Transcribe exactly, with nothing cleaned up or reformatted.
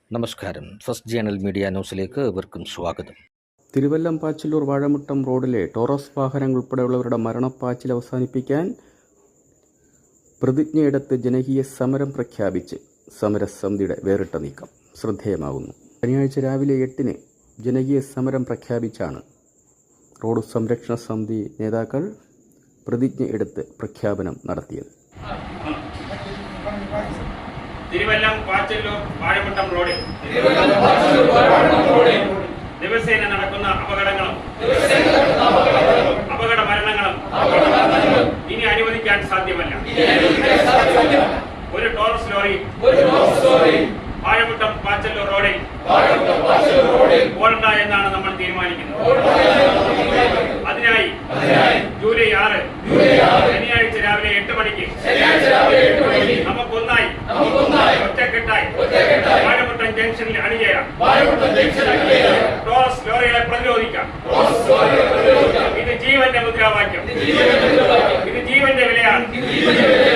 നമസ്കാരം. First journal media ന്യൂസിലേക്ക് ഏവർക്കും സ്വാഗതം. തിരുവല്ലം പാച്ചിലൂർ വാഴമുട്ടം റോഡിലെ ടോറസ് വാഹനങ്ങൾ ഉൾപ്പെടെയുള്ളവരുടെ മരണപ്പാച്ചിൽ അവസാനിപ്പിക്കാൻ പ്രതിജ്ഞയെടുത്ത് ജനകീയ സമരം പ്രഖ്യാപിച്ച് സമരസമിതിയുടെ വേറിട്ട നീക്കം ശ്രദ്ധേയമാകുന്നു. ശനിയാഴ്ച രാവിലെ എട്ടിന് ജനകീയ സമരം പ്രഖ്യാപിച്ചാണ് റോഡ് സംരക്ഷണ സമിതി നേതാക്കൾ പ്രതിജ്ഞ എടുത്ത് പ്രഖ്യാപനം നടത്തിയത്. തിരുവല്ലം പാച്ചല്ലൂർ വാഴമുട്ടം റോഡിൽ ദിവസേന നടക്കുന്ന അപകടങ്ങളും അപകട മരണങ്ങളും ഇനി അനുവദിക്കാൻ സാധ്യമല്ല. ഒരു ടോറസ് ലോറി വാഴമുട്ടം പാച്ചല്ലൂർ റോഡിൽ ഓടണ്ട എന്നാണ് നമ്മൾ തീരുമാനിക്കുന്നത്. അതിനായി ജൂലൈ ആറ് ശനിയാഴ്ച രാവിലെ എട്ട് മണിക്ക് നമുക്കൊന്നായി ഒറ്റക്കെട്ടായി വാഴമുട്ടം ജംഗ്ഷനിൽ അണിചേരാം. ടോറസ് ലോറികളെ പ്രതിരോധിക്കാം. ഇത് ജീവന്റെ മുദ്രാവാക്യം. ഇത് ജീവന്റെ വിലയാണ്.